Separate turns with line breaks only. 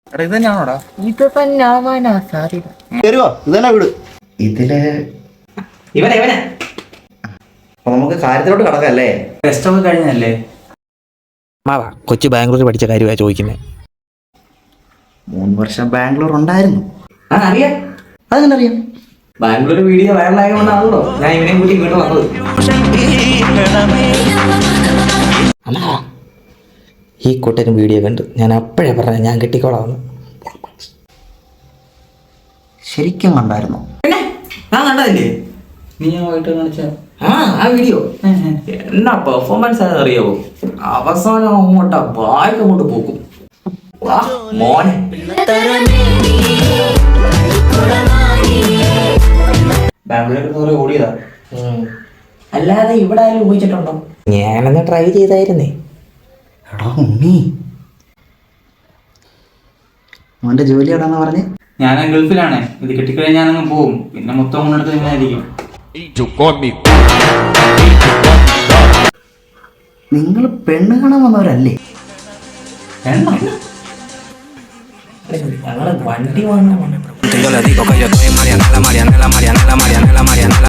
ഇത് തന്നെയാണോടാ?
ഇത് തന്നെ ആവാനാ സാധ്യത.
ഇതന്നെ വീട്. ഇതില് അപ്പൊ നമുക്ക് കാര്യത്തിലോട്ട് കടക്കല്ലേ? ടെസ്റ്റ് ഒക്കെ കഴിഞ്ഞല്ലേ?
മാവാ കൊച്ചു ബാംഗ്ലൂർ പഠിച്ച കാര്യമാണ് ചോദിക്കുന്നത്.
3 വർഷം ബാംഗ്ലൂർ ഉണ്ടായിരുന്നു.
അറിയാം.
അതെങ്ങനെ അറിയാം?
ബാംഗ്ലൂർ വീഡിയോ വൈറലായതുകൊണ്ടാണല്ലോ ഞാൻ ഇവനെ കൂട്ടി ഇങ്ങോട്ട് വന്നത്. ഈ കൂട്ടരും വീഡിയോ കണ്ടു. ഞാൻ അപ്പോഴേ പറഞ്ഞ ഞാൻ കെട്ടിക്കോളാമെന്ന്.
ശരിക്കും കണ്ടായിരുന്നു?
പിന്നെ ഞാൻ കണ്ടതില്ലേ?
നീ ഞാൻ പോയിട്ട് കാണിച്ച
ആ വീഡിയോ എന്നാ പെർഫോമൻസ് ആണെന്ന് അറിയാവോ? അവസാനം അങ്ങോട്ടാ ബാഗ് അങ്ങോട്ട് പോക്കും. മോനെ
ബാംഗ്ലൂർ ഓടിയതാ.
അല്ലാതെ ഇവിടെ ആരും ഉപയോഗിച്ചിട്ടുണ്ടോ? ഞാനൊന്ന് ട്രൈ ചെയ്തായിരുന്നേ.
എടാ ഉണ്ണി, മോന്റെ ജോലി എവിടാന്ന് പറഞ്ഞ്?
ഞാൻ ഗൾഫിലാണ്. ഇത് കെട്ടിക്കഴിഞ്ഞാൽ ഞാനങ്ങ് പോവും. പിന്നെ മൊത്തം കൊണ്ടെടുത്ത് ഇങ്ങനെയായിരിക്കും.
നിങ്ങൾ പെണ്ണ് കാണാൻ വന്നവരല്ലേ?
ഞങ്ങള് വണ്ടി വാങ്ങാൻ